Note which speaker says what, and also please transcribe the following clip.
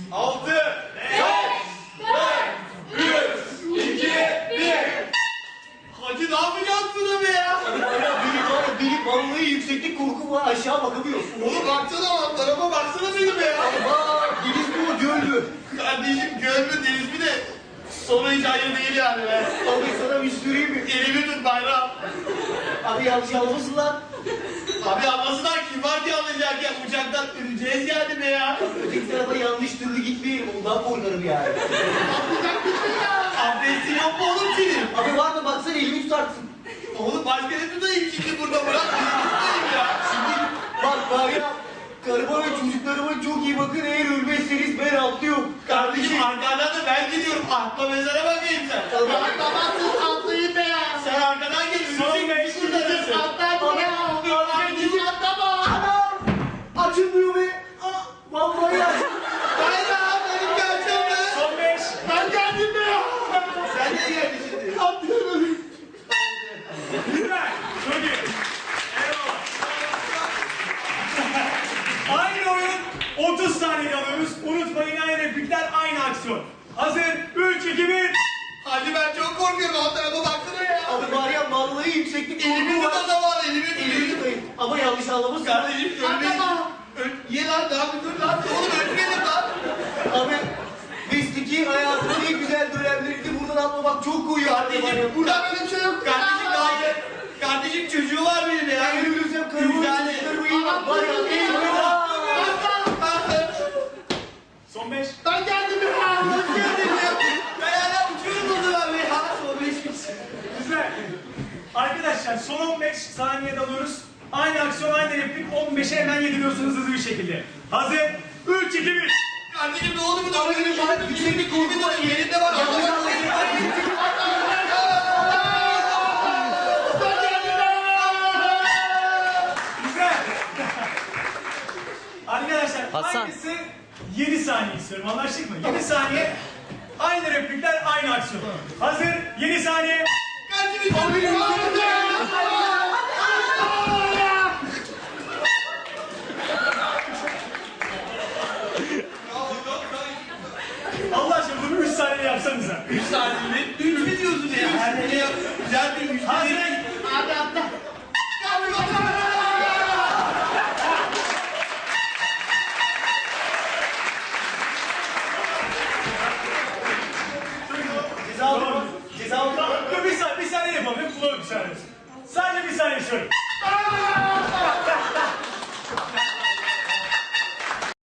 Speaker 1: 6, 5, 4, 3, 2, 1. Hacı ne yapacaksın buna be ya?
Speaker 2: Benim vallahi yükseklik korkum var, aşağı bakamıyorsun.
Speaker 1: Oğlum baksana lan, tarafa baksana benim ya.
Speaker 2: Aa, deniz mi o, göl mü?
Speaker 1: Kardeşim göl mü deniz mi de sonu hiç hayır değil yani be.
Speaker 2: Abi sana bir süreyim mi?
Speaker 1: Elimi tut bayram.
Speaker 2: Abi yanlış anlamasın lan.
Speaker 1: Abi anlasınlar kim var ki anlayacak ya, uçaktan öleceğiz yani be ya.
Speaker 2: Öteki tarafa yanlış türlü gitmeyelim, ondan korkarım yani.
Speaker 1: Atlayacak bir şey ya. Abdestin yok mu oğlum senin?
Speaker 2: Abi var mı, baksana elimi tutarsın.
Speaker 1: Oğlum başka ne tutayım şimdi burada, bırak elimi tutayım ya.
Speaker 2: Şimdi bak var ya, karıma ve çocuklarıma çok iyi bakın, eğer ölmezseniz ben atlıyorum.
Speaker 1: Kardeşim arkadan da ben gidiyorum, atla mezara bakayım sen.
Speaker 2: Tamam.
Speaker 1: Atlamazsın, atlayın be ya. Sen arkadan gel, ölecek bir kurtarırsın. Atla be ya. Kardeşim atlama.
Speaker 2: Anam! Açılmıyor be! Aa, vallahi ya!
Speaker 1: Bayram benim geleceğim be.
Speaker 3: Son 5.
Speaker 1: Ben geldim be ya. Sen de geldin şimdi.
Speaker 2: Atlıyorum.
Speaker 3: Güzel. Çok iyi. Eyvallah. Aynı oyun 30 saniye alıyoruz. Unutmayın, aynı replikler, aynı aksiyon. Hazır. 3, 2, 1.
Speaker 1: Hadi ben çok korkuyorum, alt tarafa baksana ya.
Speaker 2: Abi var ya, vallahi yükseklik
Speaker 1: Elimi
Speaker 2: korkum
Speaker 1: tut o
Speaker 2: var.
Speaker 1: zaman, elimi
Speaker 2: Elimi
Speaker 1: tut.
Speaker 2: tutayım. Ama yanlış anlamasın.
Speaker 1: Kardeşim ölmeyin. Ye lan, daha bir dur lan. Oğlum ölmeyelim lan.
Speaker 2: Abi, mesleki hayatımın en güzel dönemlerinde buradan atlamak çok koyuyor.
Speaker 1: Kardeşim burada böyle bir şey yok. Kardeşim daha iyi. Kardeşim çocuğu var benim ya.
Speaker 2: Ben ölürsem karımı ve
Speaker 1: Güzel.
Speaker 2: çocuklarımı iyi bak. Var ya, eyvallah.
Speaker 3: Son 5.
Speaker 1: Ben geldim ya. Hoş geldin ya. Ben hala uçuyorum o zaman be ya. Son 5 gitsin.
Speaker 3: Güzel. Arkadaşlar son 15 saniyede alıyoruz. Aynı aksiyon, aynı replik. 15'e hemen yediriyorsunuz hızlı bir şekilde. Hazır. 3, 2, 1.
Speaker 1: Kardeşim ne oldu bu da?
Speaker 2: Abi, benim var, yükseklik korkum var.
Speaker 1: Yerinde var.
Speaker 2: Yanlış anlamayın.
Speaker 3: Güzel. Arkadaşlar
Speaker 4: Hasan.
Speaker 3: aynısı 7 saniye istiyorum, anlaştık mı? 7 saniye, aynı replikler, aynı aksiyon. Hazır, 7 saniye.
Speaker 1: Kardeşim abi.
Speaker 3: Allah aşkına bunu 3 saniye yapsanıza.
Speaker 1: 3 saniye mi? 3 mü diyorsun ya? Her şey güzel bir 3
Speaker 3: Hazır,